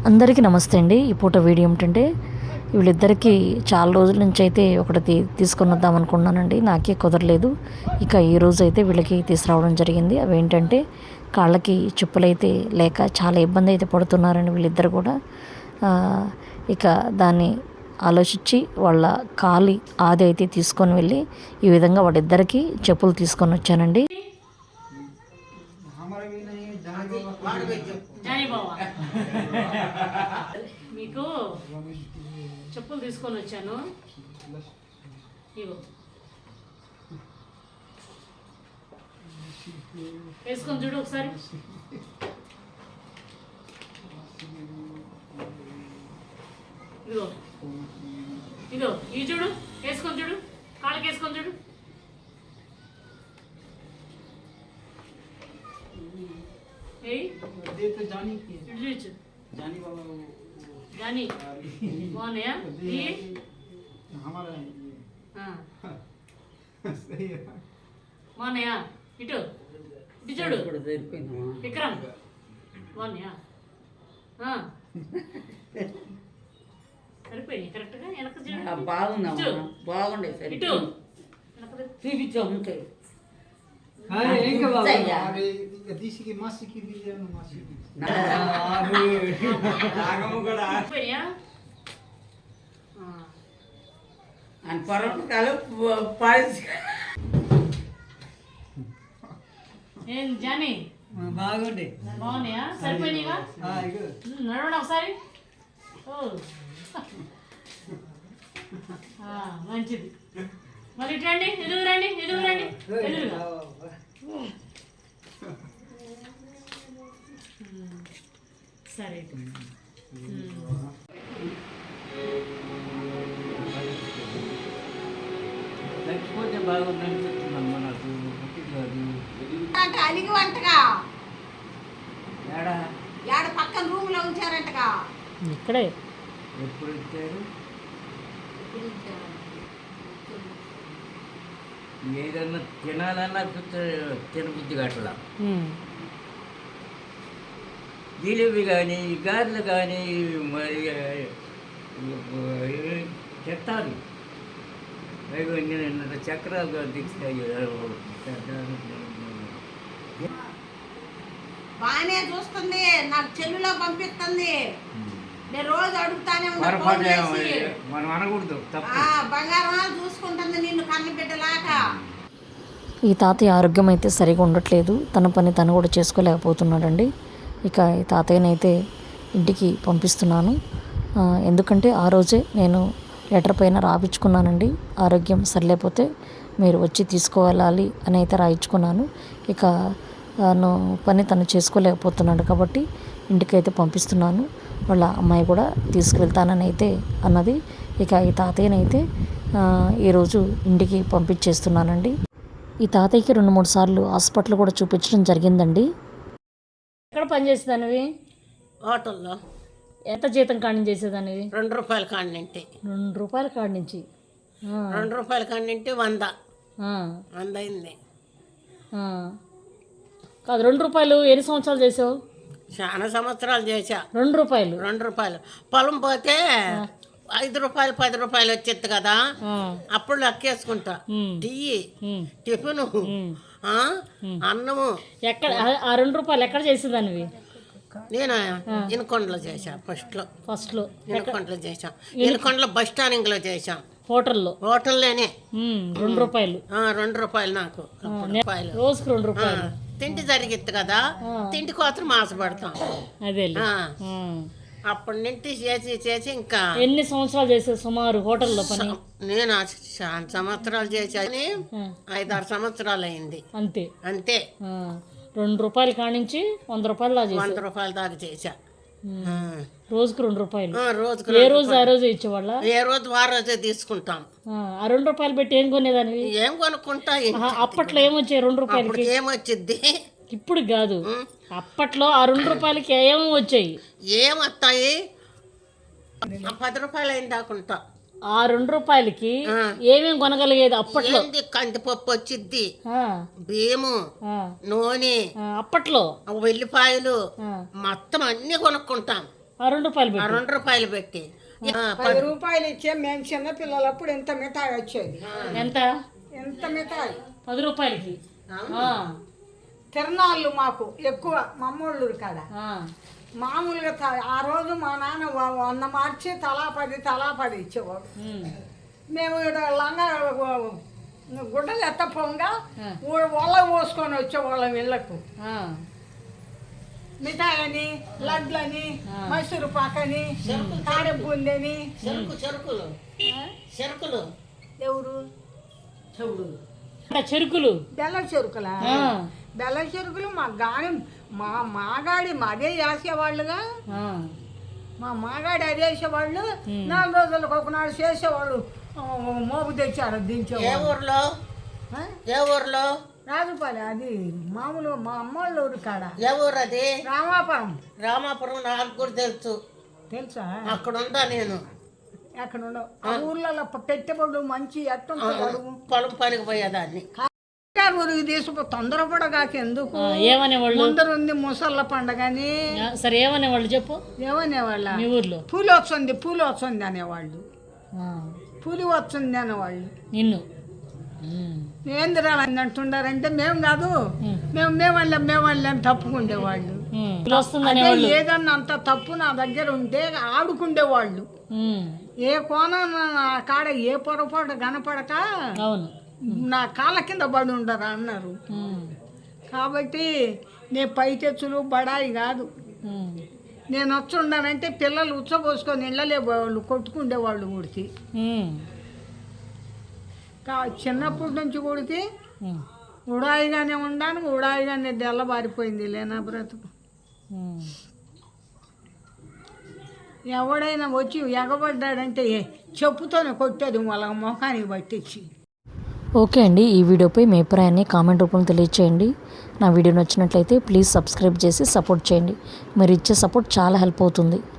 అందరికీ నమస్తే అండి. ఈ పూట వీడియో ఏమిటంటే వీళ్ళిద్దరికీ చాలా రోజుల నుంచి అయితే ఒకటి తీసుకొని వద్దాం అనుకున్నానండి. నాకే కుదరలేదు. ఇక ఈ రోజు అయితే వీళ్ళకి తీసుకురావడం జరిగింది. అవి ఏంటంటే కాళ్ళకి చెప్పులైతే లేక చాలా ఇబ్బంది అయితే పడుతున్నారండి వీళ్ళిద్దరు కూడా. ఇక దాన్ని ఆలోచించి వాళ్ళ కాలి ఆది అయితే తీసుకొని వెళ్ళి ఈ విధంగా వాళ్ళిద్దరికీ చెప్పులు తీసుకొని వచ్చానండి. మీకు చెప్పులు తీసుకొని వచ్చాను. ఇగో వేసుకొని చూడు ఒకసారి. ఇగో ఇగో ఈ చూడు, వేసుకొని చూడు, కాళ్ళకి వేసుకొని చూడు. जानी कौन है ये हमारा हाँ कौन है इटो इटो विक्रम कौन है हाँ సరిపోయి కరెక్ట్గా వెనక బాగుండే సరే ఇటు చూపించాము ఉంటాయి. disse que massa que vive no massa. అని పర్వతాలు పాలిసి ఏం జానీ బాగుండే బాగున్నాయా? సరిపోయినాయిగా? నడవండి ఒకసారి. మంచిది. మరి ఇటు రండి, ఎదుగు రండి, ఎదుగు రండి, ఎదురుగా. సరే లేకపోతే బాగుందని చెప్తున్నాను. నాకు అలిగి వంటగా ఏడ పక్కన రూమ్ లో ఉంచారంటగా. ఇక్కడే ఎప్పుడు ఇచ్చారు? ఏదన్నా తినాలన్నా తినబుద్ధి గట్లా. జిలేబీ కానీ గారెలు కానీ మరి చెత్తారు చక్రాలు దిగుతాయి. బాగానే చూస్తుంది, నాకు చెల్లులో పంపిస్తుంది. నేను రోజు అడుగుతానే మనం అనకూడదు. బంగారం చూసుకుంటుంది నిన్ను కన్న బిడ్డలాగా. ఈ తాతయ్య ఆరోగ్యం అయితే సరిగా ఉండట్లేదు. తన పని తను కూడా చేసుకోలేకపోతున్నాడండి. ఇక ఈ తాతయ్యనైతే ఇంటికి పంపిస్తున్నాను. ఎందుకంటే ఆ రోజే నేను లెటర్ పైన రాయించుకున్నానండి. ఆరోగ్యం సరిలేకపోతే మీరు వచ్చి తీసుకువెళ్ళాలి అని అయితే రాయించుకున్నాను. ఇక తను పని తను చేసుకోలేకపోతున్నాడు కాబట్టి ఇంటికైతే పంపిస్తున్నాను. వాళ్ళ అమ్మాయి కూడా తీసుకువెళ్తానని అయితే అన్నది. ఇక ఈ తాతయ్యనైతే ఈరోజు ఇంటికి పంపించేస్తున్నానండి. ఈ తాతయ్యకి 2-3 సార్లు హాస్పిటల్ కూడా చూపించడం జరిగిందండి. ఎక్కడ పనిచేసేదానివి? హోటల్లో. ఎంత జీతం కాడి చేసేదానివి? ₹2 కాడి నుంచి. ₹2 కాడి నుంచి ₹2 కాడి నుంచి 100 అయింది. కాదు, ₹2 ఎన్ని సంవత్సరాలు చేసావు? చాలా సంవత్సరాలు చేశా. ₹2 పొలం పోతే ₹5 ₹10 వచ్చేది కదా, అప్పుడు లెక్కేసుకుంటా. టీ, టిఫిన్, అన్నము. ఎక్కడ ఆ ₹2 ఎక్కడ చేసేదానివి? నేను ఇనకొండలో చేశా. ఫస్ట్లో ఇనకొండలో చేశాం. ఇనకొండలో బస్ స్టాండింగ్ లో చేశాం. హోటల్లోనే ₹2 నాకు. రోజుకు ₹2. తిండి జరిగిద్ది కదా, తిండి కోసం ఆశపడతాం. అదే అప్పటి నుంచి చేసి ఇంకా. ఎన్ని సంవత్సరాలు చేసేది సుమారు హోటల్లో పని? నేను చాలా సంవత్సరాలు చేశాను. 5-6 సంవత్సరాలు అయింది. అంతే. ₹2 కానించి ₹100 దాకా ₹100 దాకా చేశా. రోజుకు ₹2. రోజుకు ఏ రోజు ఆ రోజు ఇచ్చేవాళ్ళ? ఏ రోజు ఆ రోజే తీసుకుంటాం. ఆ ₹2 పెట్టి ఏం కొనేదాన్ని? ఏం కొనుక్కుంటా. అప్పట్లో ఏమొచ్చాయి ₹2? ఏమొచ్చింది ఇప్పుడు కాదు, అప్పట్లో ఆ ₹2కి ఏమో వచ్చాయి. ఏమొస్తాయి? ₹10 అయింది దాకుంటా. ఆ ₹2కి ఏమేమి కొనగలిగేది అప్పట్లో? కందిపప్పు వచ్చిద్ది, బియ్యము, నూనె, అప్పట్లో వెల్లిపాయలు, మొత్తం అన్ని కొనుక్కుంటాం. ఆ 2 రూపాయలు ఆ పెట్టి 2 రూపాయలు పెట్టి 10 రూపాయలు ఇచ్చే మేము చిన్న పిల్లలప్పుడు ఎంత మిఠాయి వచ్చేది, ఎంత ఎంత మిఠాయి. 10 రూపాయలకి. ఆ, తిరణాళ్ళు మాకు ఎక్కువ మమ్మోళ్ళు కాడ. ఆ, మామూలుగా ఆ రోజు మా నాన్న 100 మార్చి తలా 10 ఇచ్చేవాడు. ఉమ్, మేము ఇక్కడ లంగా గుడ్డలు ఎత్తపోగా ఒళ్ళ పోసుకొని వచ్చేవాళ్ళం ఇళ్ళకు. ఆ, మిఠాయి అని, లడ్లని, మైసూరు పాకని, కారె బూందని. చెరుకులు ఎవరు అంటే చెరుకులు. బెల్లం చెరుకులా? ఆ, బెల్లం చెరుకులు మా గాని మాగాడి అదే వేసేవాళ్ళుగా. ఆ, మా మాగాడి అదే వేసేవాళ్ళు. 4 రోజులకు ఒకనాడు చేసేవాళ్ళు. మోపు తెచ్చారు ఏ దించేవాళ్ళు. ఊర్లో ఆ? ఏ ఊర్లో రాజుపాలెం, అది మామూలు మా అమ్మోళ్ళ ఊరు కాడ. ఏ ఊరు అది? రామాపురం రామాపురం నాకు కూడా తెలుసు, తెలుసా? అక్కడ ఉందా నేను. ఎక్కడ ఉండవు ఆ ఊర్లలో పెట్టబడు మంచి ఎట్టుంటుంది అడుగు. పొలం పనికి పోయేదాన్ని. ఊరికి తీసుకు తొందరపడగాక ఎందుకు? ఆ, ఏమనేవాళ్ళు? ముందర ఉంది ముసళ్ళ పండగని. ఆ, సరే ఏమనేవాళ్ళు చెప్పు ఏమనేవాళ్ళ? మీ ఊర్లో. పూలు వస్తుంది అనేవాళ్ళు. ఆ, పూలి వస్తుంది అనేవాళ్ళు. నిన్ను. ఉమ్, ఏందిరా అని అంటున్నారంటే మేము కాదు, మేమల్ని తప్పుకుండేవాళ్ళు. ఉమ్, పూలు వస్తుందనే అదే వాళ్ళు. ఏదన్నా అంత తప్పు నా దగ్గర ఉంటే ఆడుకుండేవాళ్ళు. ఉమ్, ఏ కోణం నా కాడ ఏ పొరపాటు కనపడక అవును. నా కాళ్ళ కింద పడి ఉండరా అన్నారు. ఉమ్, కాబట్టి నేను పైటెచ్చులు బడాయి కాదు. ఉమ్, నేను వచ్చుండానంటే పిల్లలు ఉచ్చబోసుకొని ఇళ్ళలే వాళ్ళు కొట్టుకుండేవాళ్ళు ఉడికి. ఉమ్, చిన్నప్పటి నుంచి ఉడికి ఉమ్, ఉడాయిగానే ఉండాను, ఉడాయిగానే తెల్లబారిపోయింది లేనా బ్రతుకు. ఉమ్. ఎవడైనా వచ్చి ఎగబడ్డాడంటే చెప్పుతోనే కొట్టేది వాళ్ళ ముఖానికి పట్టించి. ఓకే అండి, ఈ వీడియోపై మీ అభిప్రాయాన్ని కామెంట్ రూపంలో తెలియచేయండి. నా వీడియో నచ్చినట్లయితే ప్లీజ్ సబ్స్క్రైబ్ చేసి సపోర్ట్ చేయండి. మీరు ఇచ్చే సపోర్ట్ చాలా హెల్ప్ అవుతుంది.